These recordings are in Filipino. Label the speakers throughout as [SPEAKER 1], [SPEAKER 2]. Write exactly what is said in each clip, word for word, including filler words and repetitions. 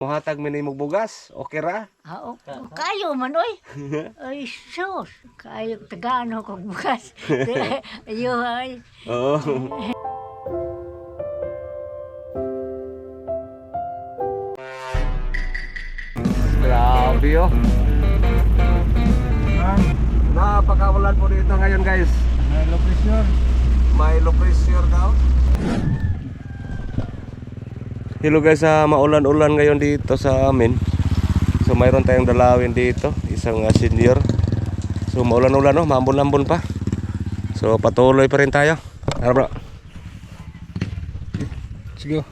[SPEAKER 1] Muhatag minimog bugas, okay ra?
[SPEAKER 2] Ah, o, kayo man oy. Ay sus, kayo tagano kog bukas. Ayo ay.
[SPEAKER 1] Oo. Grabe oh. Napakawalan po dito ngayon guys.
[SPEAKER 3] May low pressure.
[SPEAKER 1] May low pressure daw. Hello guys, uh, maulan-ulan ngayon dito sa amin. So mayroon tayong dalawin dito, isang uh, senior. So maulan-ulan oh, maambon-ambon pa. So patuloy pa rin tayo. Tara bro.
[SPEAKER 3] Sige.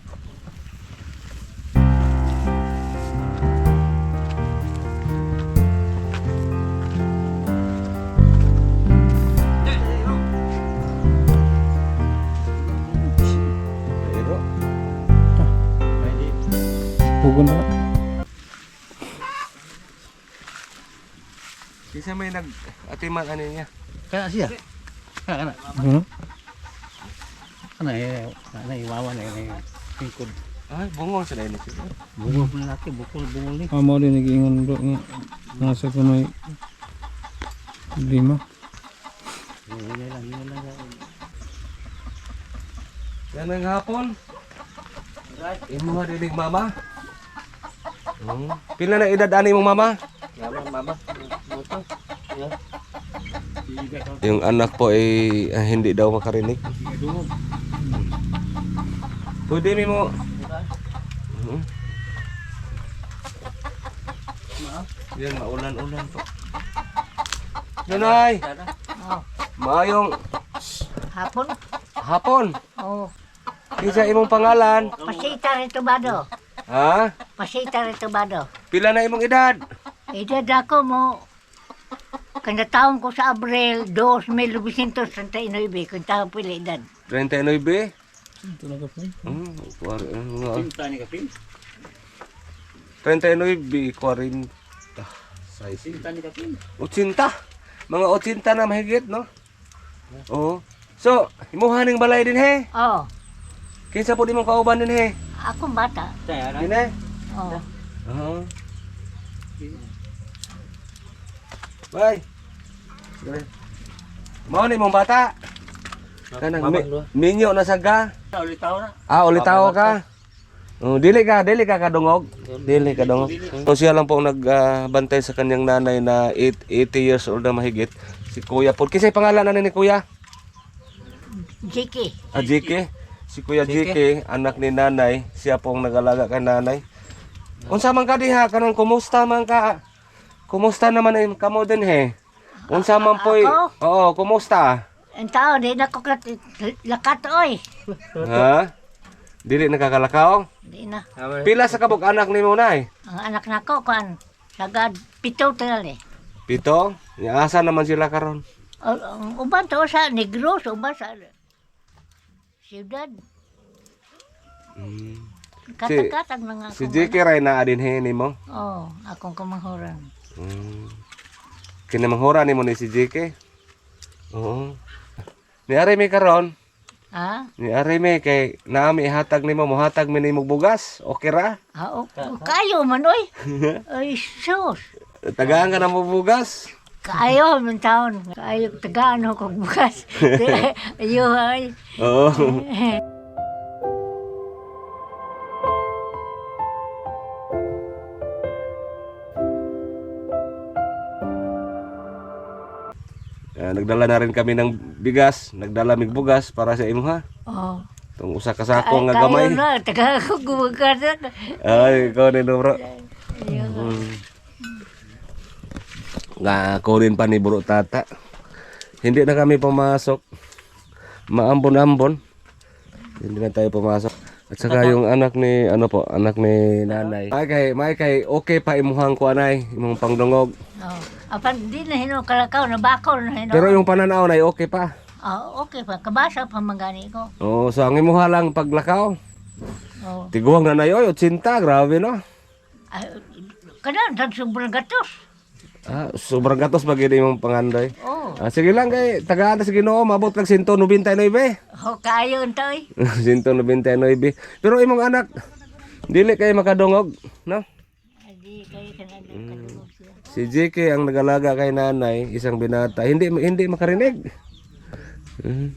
[SPEAKER 3] Hugon na.
[SPEAKER 1] Isa may nag-atiman ano niya.
[SPEAKER 3] Kana siya. Kana kana. Hmm. Kana eh, kana iwawan na eh. Tingkod.
[SPEAKER 1] Ay, bungol sila ini.
[SPEAKER 3] Bungol pun laki, bukol bungol ni.
[SPEAKER 4] Amo din nagingon bro nga nasa kunoy lima.
[SPEAKER 3] Ini lang, ini lang.
[SPEAKER 1] Yan ang hapon. Right. Imo nga dinig mama. Hmm. Pila na edad ani mong mama?
[SPEAKER 3] Mama, mama. Moto. Ya.
[SPEAKER 1] Yung anak po ay ah, hindi daw makarinig.
[SPEAKER 3] Dungog.
[SPEAKER 1] Pwede mi mo. Hmm. Yan, maulan-ulan po. Nanay,
[SPEAKER 2] Oh,
[SPEAKER 1] maayong
[SPEAKER 2] hapon.
[SPEAKER 1] hapon.
[SPEAKER 2] Oh,
[SPEAKER 1] Isa imong pangalan?
[SPEAKER 2] pasita rito bado.
[SPEAKER 1] Ha?
[SPEAKER 2] Pasita rito bado.
[SPEAKER 1] Pila na imong edad?
[SPEAKER 2] Edad ako mo. Kanda taon ko sa Abril dos mil novecientos treinta y nueve, kung taon pili edad.
[SPEAKER 1] thirty-nine.
[SPEAKER 4] Ito na ka po.
[SPEAKER 1] Hmm, kuwari, ano nga.
[SPEAKER 3] Cinta ni kapin.
[SPEAKER 1] thirty-nine, forty. Size.
[SPEAKER 3] Cinta ni kapin.
[SPEAKER 1] Otsinta. Mga otsinta na mahigit, no? Oo. So, imuhaning balay din he.
[SPEAKER 2] Oh,
[SPEAKER 1] Kinsa po di mong kauban din he.
[SPEAKER 2] akong bata.
[SPEAKER 3] Saya
[SPEAKER 1] Din he.
[SPEAKER 2] Oh,
[SPEAKER 1] Oo. Bye. Sige. Mao ni mong bata. Kanang mi, minyo na saga.
[SPEAKER 3] Ulit tao na.
[SPEAKER 1] Ah, ulitaw ka. Oh, dili ka, dili ka kadungog. Dili ka dungog. So siya lang po nagbantay sa kanyang nanay na eighty years old na mahigit. Si Kuya po. Kisay pangalan na ni Kuya?
[SPEAKER 2] Jiki.
[SPEAKER 1] Ah, J K. Si Kuya J K, anak ni nanay, siya pong nag-alaga kay nanay. Unsa man ka diha kanang kumusta man ka? Kumusta naman ay kamo din he? Unsa man poy?
[SPEAKER 2] Ako?
[SPEAKER 1] Oo, kumusta?
[SPEAKER 2] Ang tao, di na ko kat- lakat oy.
[SPEAKER 1] Ha? Dili nakakalakaw?
[SPEAKER 2] Di na.
[SPEAKER 1] Pila sa kabog anak nimo nay?
[SPEAKER 2] Ang anak na ko, kan, sagad pito tinal eh.
[SPEAKER 1] Pito? Asa naman sila karon?
[SPEAKER 2] O- Ang uban to sa Negros, uban sa siyudad.
[SPEAKER 1] Hmm.
[SPEAKER 2] Katag-katag mga
[SPEAKER 1] Si
[SPEAKER 2] akong
[SPEAKER 1] J K ray na adin he nimo.
[SPEAKER 2] anak. Oh, akong kamanghuran.
[SPEAKER 1] Hmm. Kinamanghura nimo ni si J K? Oo. Ni ari mi karon,
[SPEAKER 2] Ha?
[SPEAKER 1] ni ari mi kay naami ihatag nimo mohatag mi nimo bugas. Okay ra?
[SPEAKER 2] Ah, o, o, kayo man oy. Ay sus.
[SPEAKER 1] Tagaan ka na mo bugas.
[SPEAKER 2] Kayo man taon. Kayo tagano kog bukas. Ayo ay.
[SPEAKER 1] Oo. Ah, nagdala na rin kami ng bigas, nagdala mig bugas para sa imo ha.
[SPEAKER 2] Oh.
[SPEAKER 1] Tong usa ka sako nga
[SPEAKER 2] Kayo
[SPEAKER 1] gamay.
[SPEAKER 2] na, taga ko gumagas.
[SPEAKER 1] Ay, ikaw ni bro.
[SPEAKER 2] Ayo.
[SPEAKER 1] Hmm. Nga ako rin pa ni bro tata. Hindi na kami pumasok. Maambon-ambon. Hindi na tayo pumasok. At saka yung anak ni ano po, anak ni nanay. May kay, may kay okay pa imuhang ko anay, imong pangdungog.
[SPEAKER 2] Oh. Apan di na hino kalakaw na bakaw na hino.
[SPEAKER 1] Pero yung pananaw na okay pa.
[SPEAKER 2] Oh, okay pa. Kabasa pa mangani ko.
[SPEAKER 1] Oo, so ang imuha lang paglakaw.
[SPEAKER 2] Oh.
[SPEAKER 1] Tiguang na na yoy, otsinta, grabe no.
[SPEAKER 2] Ay, kada tan sobrang gatos.
[SPEAKER 1] Ah, sobrang gatos bagay imong panganday.
[SPEAKER 2] Oh.
[SPEAKER 1] Ah, sige lang kay tagaan sa Ginoo, mabot kag one ninety-nine.
[SPEAKER 2] Ho kayo untoy.
[SPEAKER 1] one ninety-nine. Pero imong anak Dili kayo makadungog, no?
[SPEAKER 2] Adi kayo ka na kalungog siya.
[SPEAKER 1] Si J K ang nagalaga kay nanay, isang binata, hindi hindi makarinig. Mm.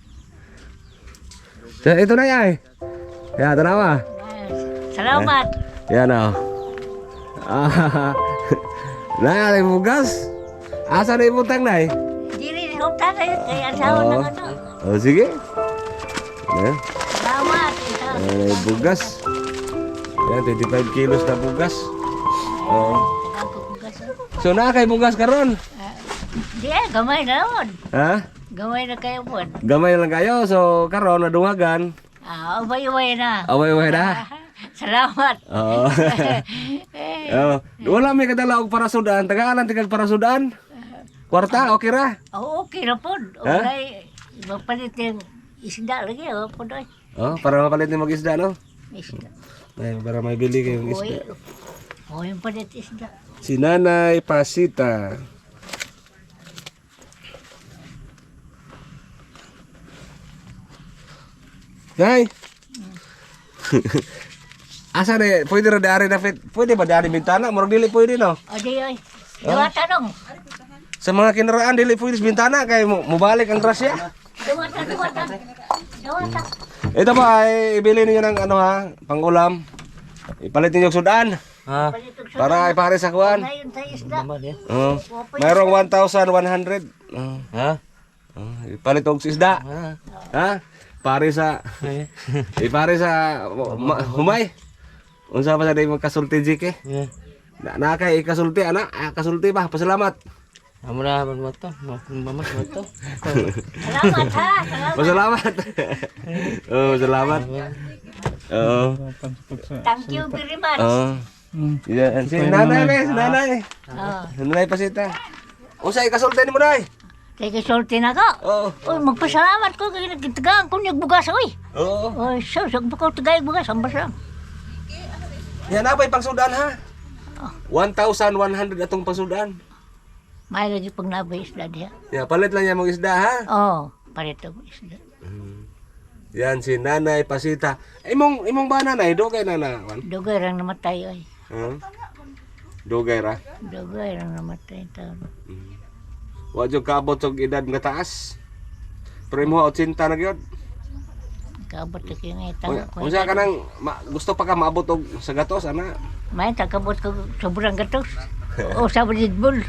[SPEAKER 1] So, ito na yan. Ya, tanawa.
[SPEAKER 2] Salamat.
[SPEAKER 1] Yan o. Ah, na, may bugas. Asa na ibutang na eh?
[SPEAKER 2] Dili ko tayo kaya asawa
[SPEAKER 1] Oo.
[SPEAKER 2] ng ano.
[SPEAKER 1] Oh, sige. Yan.
[SPEAKER 2] Salamat.
[SPEAKER 1] Yan, may bugas. Yan, twenty-five kilos na bugas. Oo. So, na kay bugas karon.
[SPEAKER 2] Di eh, gamay na naman.
[SPEAKER 1] Ha?
[SPEAKER 2] Gamay na kayo po.
[SPEAKER 1] Gamay lang kayo. So, karon nadungagan.
[SPEAKER 2] Ah, ubay-ubay na.
[SPEAKER 1] Away-away na.
[SPEAKER 2] Salamat.
[SPEAKER 1] Oo. Oh, wala may kadala og parasudan, tagalan tigag parasudan. Kwarta, okay ra.
[SPEAKER 2] Oo, okay na po.
[SPEAKER 1] Ha?
[SPEAKER 2] Okay, mapalit yung isda lagi. Oo po doy.
[SPEAKER 1] Oh, para mapalit ni mag-isda no.
[SPEAKER 2] Isda.
[SPEAKER 1] Ay, para may bili kayong
[SPEAKER 2] Uy.
[SPEAKER 1] isda.
[SPEAKER 2] Oo, yung palit isda.
[SPEAKER 1] Si Nanay Pasita. Nay. Asa na, pwede ra dari na fit. Pwede ba dari bintana? Murag dili pwede no.
[SPEAKER 2] O di oy. Dua tanong.
[SPEAKER 1] Sa mga kinaraan dili pwede sa bintana kay mo mubalik ang grasya.
[SPEAKER 2] Dua tanong. Dua tanong. Dua tanong.
[SPEAKER 1] Ito ba ay ibili niyo ng ano ha, pangulam. Ipalit niyo og sudan. Ha?
[SPEAKER 2] Palit yung
[SPEAKER 1] Para ipare sa kuan.
[SPEAKER 2] Ngayon tayo isda.
[SPEAKER 1] Oh. Mayroong one thousand one hundred. Oh. Ha? Oh, ipalit og isda. Ha? Pare sa ipare sa ma- humay. Unsa pa sa day magkasulti jike? Na na kay ikasulti ana, ah, kasulti ba? Pasalamat.
[SPEAKER 3] Amo na mo to, mamas mo to.
[SPEAKER 2] Salamat ha. Salamat.
[SPEAKER 1] Pasalamat. Oh, salamat. Oo.
[SPEAKER 2] Thank you very much.
[SPEAKER 1] Oh. Yan, si nanay, be, si nanay.
[SPEAKER 2] Oh.
[SPEAKER 1] Nanay Pasita. Unsa ikasulti nimo nay?
[SPEAKER 2] Kaya kasulti na ka.
[SPEAKER 1] Oo.
[SPEAKER 2] Uy, magpasalamat ko kaya nagtagaan ko niyag bugas. Uy.
[SPEAKER 1] Oo.
[SPEAKER 2] Uy, so, sag pa ko tagay bugas. Ang basa.
[SPEAKER 1] Yan na pa'y pangsudan ha. one thousand one hundred atong pangsudan.
[SPEAKER 2] May lagi pag nabay isda diya.
[SPEAKER 1] Ya, palit lang yan mong isda ha.
[SPEAKER 2] Oo, oh, parito mo isda.
[SPEAKER 1] Yan si Nanay Pasita. Imong imong ba nanay do kay nana?
[SPEAKER 2] Dugay rang namatay ay.
[SPEAKER 1] Hmm? Dugay ra.
[SPEAKER 2] Dugay rang namatay taon.
[SPEAKER 1] Wa jud kaabot og edad nga taas. Pero mo eighty na gyud.
[SPEAKER 2] Kabot ka kaya nga taon ko.
[SPEAKER 1] Unsa ka nang ma, gusto pa ka maabot og sa gatos ana?
[SPEAKER 2] May takabot ko sobrang gatos. O sa Bridbul.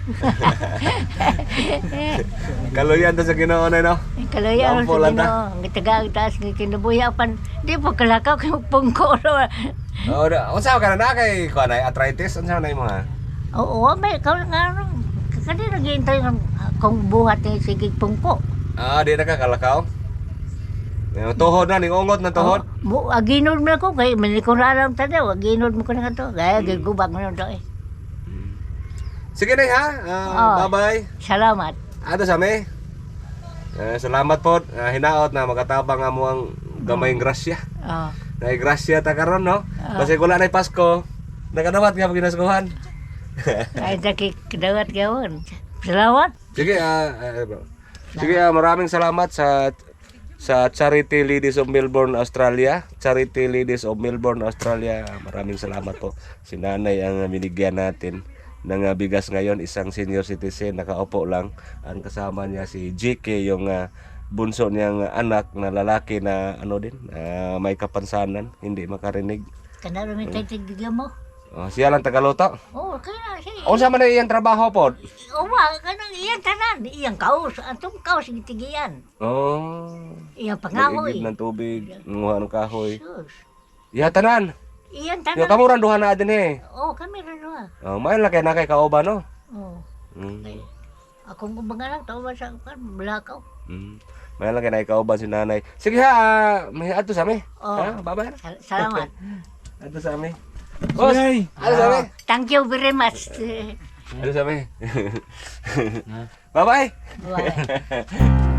[SPEAKER 1] Kaluyan ta sa Ginoo nay no.
[SPEAKER 2] Kalaya ron
[SPEAKER 1] Lampo
[SPEAKER 2] sa
[SPEAKER 1] lang ta.
[SPEAKER 2] Ginoo. Ang tagag taas ni kinabuyapan. Di pa kalakaw kay pungko.
[SPEAKER 1] Oh, da- unsa ka na kay kuan ay arthritis unsa na imo ha?
[SPEAKER 2] Oo, may kaw nga ron. Kani naghihintay ng kung buhat ni sige pungko.
[SPEAKER 1] Ah, di na ka kalakaw. Yung tuhod na, ningungot na tuhod.
[SPEAKER 2] Oh, aginod mo ko kay manikuraram ta daw. Aginod mo ko na to. Gaya gigubag mo na to eh.
[SPEAKER 1] Sige na ha. Ah,
[SPEAKER 2] Oh.
[SPEAKER 1] bye-bye.
[SPEAKER 2] Salamat.
[SPEAKER 1] Ato sa me. Eh, salamat po. Ah, hinaot na makatabang nga mo ang gamayng grasya.
[SPEAKER 2] Oh.
[SPEAKER 1] Nay grasya ta karon no. Kasi kula nay Pasko. Nakadawat nga ginaskuhan.
[SPEAKER 2] Ay daki kadawat gawon. Salamat.
[SPEAKER 1] Sige, ah, ah, bro. Sige, ah, maraming salamat sa sa Charity Ladies of Melbourne, Australia. Charity Ladies of Melbourne, Australia. Maraming salamat po. Si Nanay ang binigyan natin ng ah, bigas ngayon, isang senior citizen, nakaupo lang. Ang kasama niya si J K, yung ah, bunso niyang anak na lalaki na ano din, ah, may kapansanan, hindi makarinig.
[SPEAKER 2] Kanaro mi tay tigdigyan mo.
[SPEAKER 1] Oh, siya lang tagaluto.
[SPEAKER 2] Oh, kaya siya.
[SPEAKER 1] Unsa man na iyang trabaho po?
[SPEAKER 2] Uwa, kanang iyang tanan, iyang kaos, atong kaos gitigiyan.
[SPEAKER 1] Oh.
[SPEAKER 2] Iyang
[SPEAKER 1] Nag-igib
[SPEAKER 2] pangahoy.
[SPEAKER 1] ng tubig, nguha ng kahoy.
[SPEAKER 2] Sus.
[SPEAKER 1] Ya tanan.
[SPEAKER 2] Iyang
[SPEAKER 1] Yo
[SPEAKER 2] tanan.
[SPEAKER 1] kamuran duha na din eh.
[SPEAKER 2] Oh, kami rin na.
[SPEAKER 1] Oh, mayon lang kay nakay kaoba no.
[SPEAKER 2] Oh.
[SPEAKER 1] Mm.
[SPEAKER 2] Akong kumbaga lang, tao ba sa kan, blakaw.
[SPEAKER 1] Mm. Mayon lang kay nakay kaoba si nanay. Sige ha, ah, may ato sa mi.
[SPEAKER 2] Oh.
[SPEAKER 1] Ha, bye-bye.
[SPEAKER 2] Sal- Salamat.
[SPEAKER 1] Ato sa mi. Boss,
[SPEAKER 4] Yay!
[SPEAKER 1] ato sa mi.
[SPEAKER 2] Thank you very much.
[SPEAKER 1] Ato sa mi. Bye-bye.
[SPEAKER 2] Bye.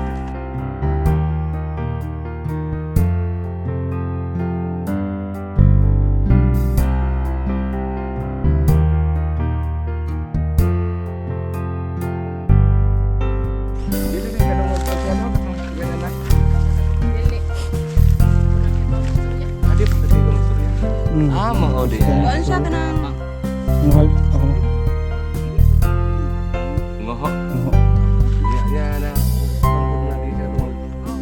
[SPEAKER 1] Dili din ka nang magpasyado, ganyan na.
[SPEAKER 5] Dili.
[SPEAKER 1] Adi pa sa tigong istorya.
[SPEAKER 5] Kuan siya kanang
[SPEAKER 4] Mahal ako.
[SPEAKER 1] Ngoho.
[SPEAKER 4] Oho.
[SPEAKER 1] Ya, ya na. Pantog na di siya doon.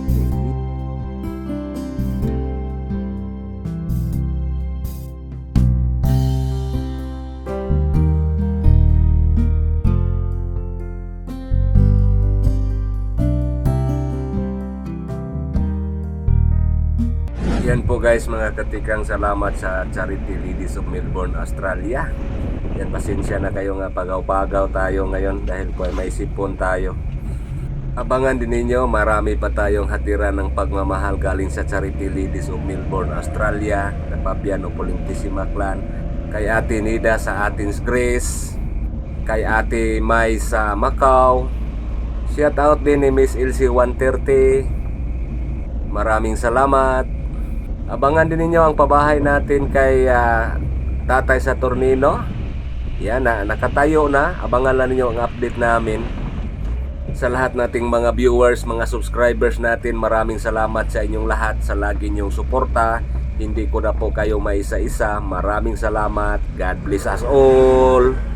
[SPEAKER 1] Yan po guys mga katikang, salamat sa Charity Ladies of Melbourne, Australia. Yan, pasensya na kayo nga pagaw-pagaw tayo ngayon dahil po ay may sipon tayo. Abangan din ninyo, marami pa tayong hatiran ng pagmamahal galing sa Charity Ladies of Melbourne, Australia, na Fabian Opulentissima Clan, kay Ate Nida sa Athens, Greece, kay Ate Mai sa Macau. Shout out din ni Miss Elsie one thirty. Maraming salamat. Abangan din ninyo ang pabahay natin kay ah, Tatay Saturnino. Yan na, nakatayo na. Abangan lang ninyo ang update namin. Sa lahat nating mga viewers, mga subscribers natin, maraming salamat sa inyong lahat sa lagi nyong suporta. Hindi ko na po kayo maisa-isa. Maraming salamat. God bless us all.